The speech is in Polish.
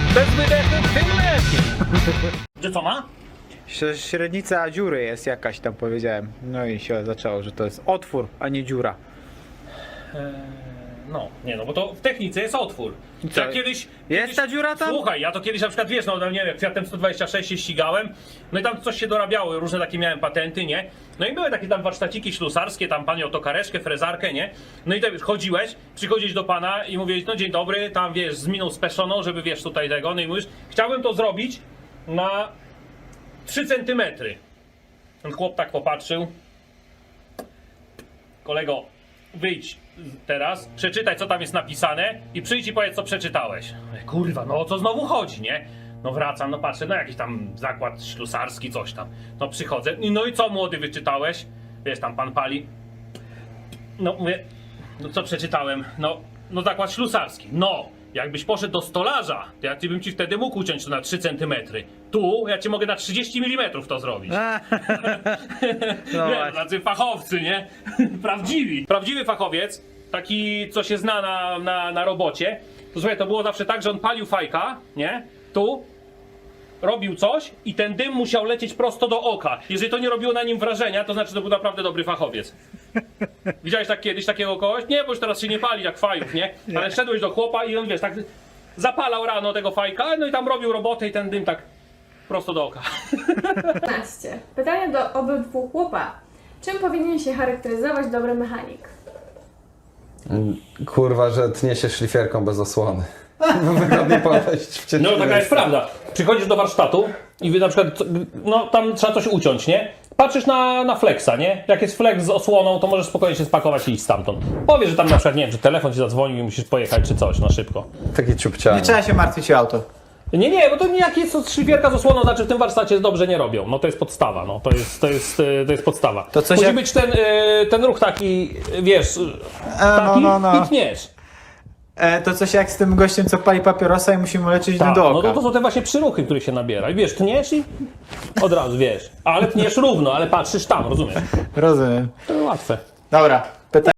Bez wydechu tym lepiej. Że co ma? Średnica dziury jest jakaś tam, powiedziałem. No i się zaczęło, że to jest otwór, a nie dziura. No, nie no, bo to w technice jest otwór. Co? Ja kiedyś ta dziura tam? Słuchaj, ja to kiedyś na przykład, wiesz, no nie wiem, Fiatem 126 się ścigałem, no i tam coś się dorabiało, różne takie miałem patenty, nie? No i były takie tam warsztaciki ślusarskie, tam pan miał tokareczkę, frezarkę, nie? No i tak chodziłeś, przychodzisz do pana i mówisz, no dzień dobry, tam wiesz, z miną speszoną, żeby wiesz tutaj tego, no i mówisz, chciałbym to zrobić na 3 centymetry. Ten chłop tak popatrzył. Kolego, wyjdź teraz, przeczytaj co tam jest napisane i przyjdź i powiedz co przeczytałeś. Kurwa, no o co znowu chodzi, nie? No wracam, no patrzę, no jakiś tam zakład ślusarski, coś tam. No przychodzę, no i co młody wyczytałeś? Wiesz, tam pan pali. No mówię, no co przeczytałem? No zakład ślusarski. No, jakbyś poszedł do stolarza, to ja bym ci wtedy mógł uciąć to na 3 cm. Tu ja ci mogę na 30 mm to zrobić. No Nie, tacy fachowcy, nie? Prawdziwi. Prawdziwy fachowiec, taki co się zna na robocie, to słuchaj, to było zawsze tak, że on palił fajka, nie? Tu robił coś i ten dym musiał lecieć prosto do oka. Jeżeli to nie robiło na nim wrażenia, to znaczy, że to był naprawdę dobry fachowiec. Widziałeś tak kiedyś takiego kogoś? Nie, bo już teraz się nie pali jak fajów, nie? Ale szedłeś do chłopa i on, wiesz, tak zapalał rano tego fajka, no i tam robił robotę i ten dym tak prosto do oka. 15. Pytanie do obydwu chłopa. Czym powinien się charakteryzować dobry mechanik? Kurwa, że tnie się szlifierką bez osłony. Wygodnie podejść w ciężkim No taka jest miejscu. prawda. Przychodzisz do warsztatu i wy na przykład, no tam trzeba coś uciąć, nie? Patrzysz na flexa, nie? Jak jest flex z osłoną, to możesz spokojnie się spakować i iść stamtąd. Powiesz, że tam na przykład, nie wiem, że telefon ci zadzwonił i musisz pojechać czy coś, no szybko. Taki ciupciany. Nie trzeba się martwić o auto. Nie, bo to jak jest szlifierka z osłoną, znaczy w tym warsztacie dobrze nie robią. No to jest podstawa, no to jest podstawa. To coś musi jak- być ten ruch taki, wiesz, taki no. i tniesz. To coś jak z tym gościem, co pali papierosa i musimy lecieć Tak, do no oka. to są te właśnie przyruchy, które się nabiera. I wiesz, tniesz i od razu wiesz. Ale tniesz równo, ale patrzysz tam, rozumiesz? Rozumiem. To łatwe. Dobra.